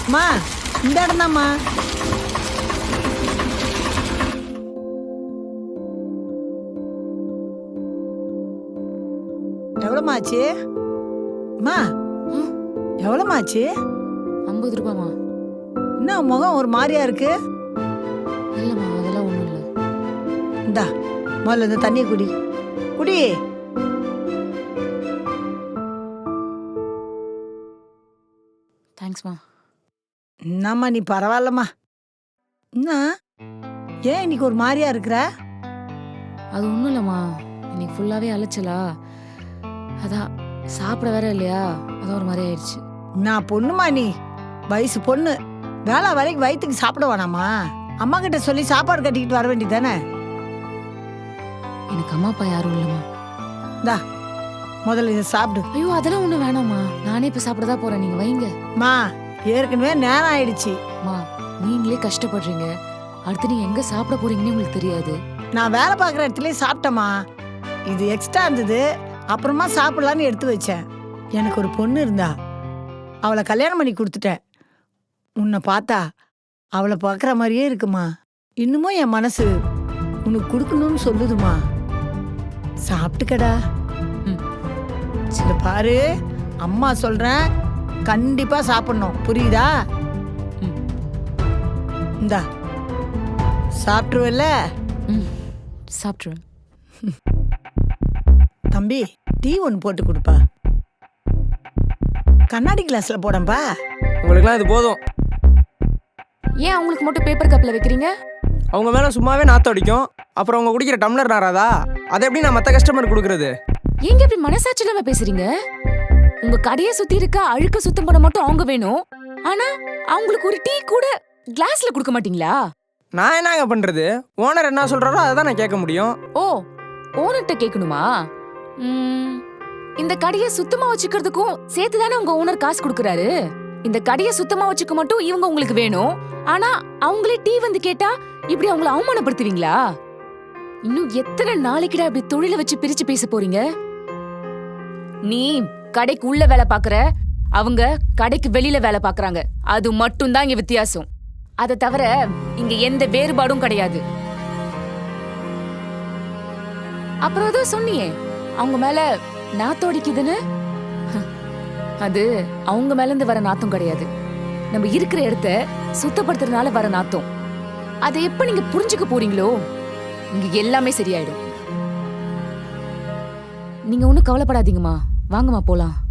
அம்மா இந்த இடம் தான்மா. எவ்வளோமா ஆச்சு? அம்மா எவ்வளோமா ஆச்சு? 50 ரூபாமா. என்ன முகம் ஒரு மாதிரியா இருக்கு? இல்லம்மா அதெல்லாம் ஒண்ணும் இல்ல. இந்தா முதல்ல இந்த தண்ணியை குடி குடி. தேங்க்ஸ்மா. என்னம்மா நீ பரவாயில்லம்மா. என்ன ஏன் இன்னைக்கு ஒரு மாதிரியா இருக்கிற? அது ஒண்ணும் இல்லம்மா, இன்னைக்கு ஃபுல்லாவே அலைச்சலா, அதான் சாப்பிட வேற இல்லையா, அதான் ஒரு மாதிரி ஆயிடுச்சு. நான் பொண்ணுமா, நீ வயசு பொண்ணு, வேலை வேலைக்கு வயிற்றுக்கு சாப்பிட வேணாமா? அம்மா கிட்ட சொல்லி சாப்பாடு கட்டிக்கிட்டு வர வேண்டியதானே? எனக்கு அம்மா அப்பா யாரும் இல்லம்மா. இந்தா முதல்ல இதை சாப்பிடு. ஐயோ அதெல்லாம் ஒண்ணும் வேணாம்மா, நானே இப்ப சாப்பிடதான் போறேன், நீங்க வைங்க. மா ஏற்கனவே நேரம் ஆயிடுச்சு. அம்மா நீங்களே கஷ்டப்படுறீங்க, அடுத்து நீங்க எங்க சாப்பிட போறீங்கன்னு உங்களுக்கு தெரியாது. நான் வேலை பார்க்குற இடத்துலயே சாப்பிட்டேம்மா. இது எக்ஸ்ட்ரா இருந்தது, அப்புறமா சாப்பிடலான்னு எடுத்து வச்சேன். எனக்கு ஒரு பொண்ணு இருந்தா, அவளை கல்யாணம் பண்ணி கொடுத்துட்டேன். உன்னை பார்த்தா அவளை பார்க்குற மாதிரியே இருக்குமா. இன்னமும் என் மனசு உனக்கு கொடுக்கணும்னு சொல்லுதுமா. சாப்பிட்டுக்கடா. சரி பாரு, அம்மா சொல்றேன், கண்டிப்பா சாப்பிடணும், புரியுதா? இந்தா சாப்பிட்டுருவல்ல? சாப்பிட்ருவேன். தம்பி டீ ஒன்று போட்டு கொடுப்பா. கண்ணாடி கிளாஸ்ல போடம்பா. உங்களுக்குலாம் இது போதும். ஏன் அவங்களுக்கு மட்டும் பேப்பர் கப்ல வைக்கிறீங்க? அவங்க மேலே சும்மாவே நாற்றம் அடிக்கும், அப்புறம் அவங்க குடிக்கிற டம்ளர் நாராதா, அதை எப்படி நான் மற்ற கஸ்டமர் கொடுக்குறது? ஏங்க இப்படி மனசாட்சி இல்லாம பேசுறீங்க? உங்க கடையை சுத்தி இருக்க அழுக்க சுத்தம் பண்ண மட்டும் அவங்க வேணும், ஆனா அவங்களுக்கு ஒரு டீ கூட கிளாஸ்ல கொடுக்க மாட்டீங்களா? நான் என்னங்க பண்றது? ஓனர் என்ன சொல்றாரோ அதை தான் நான் கேட்க முடியும். ஓ, ஓனர்கிட்ட கேட்கணுமா? இந்த கடையை சுத்தமா வச்சுக்கிறதுக்கும் சேர்த்து தானே உங்க ஓனர் காசு கொடுக்கறாரு. இந்த கடையை சுத்தமா வச்சுக்க மட்டும் இவங்க உங்களுக்கு வேணும், ஆனா அவங்களே டீ வந்து கேட்டா இப்படி அவங்கள அவமானப்படுத்துவீங்களா? இன்னும் எத்தனை நாளைக்குடா இப்படி தொழிலை வச்சு பிரிச்சு பேச போறீங்க? நீ கடைக்கு உள்ள வேலை பாக்குற, அவங்க கடைக்கு வெளியில வேலை பாக்குறாங்க, அது மட்டும் தான் இங்க வித்தியாசம். அதை தவிர இங்க எந்த வேறுபாடும் கிடையாது. அப்புறம் ஏதோ சொன்னியே அவங்க மேல நாத்தம் அடிக்குதுன்னு, அது அவங்க மேல இருந்து வர நாத்தம் கிடையாது, நம்ம இருக்கிற இடத்த சுத்தப்படுத்துறதுனால வர நாத்தம். அதை எப்ப நீங்க புரிஞ்சுக்க போறீங்களோ இங்க எல்லாமே சரியாயிடும். நீங்க ஒண்ணும் கவலைப்படாதீங்கம்மா, வாங்கம்மா போலாம்.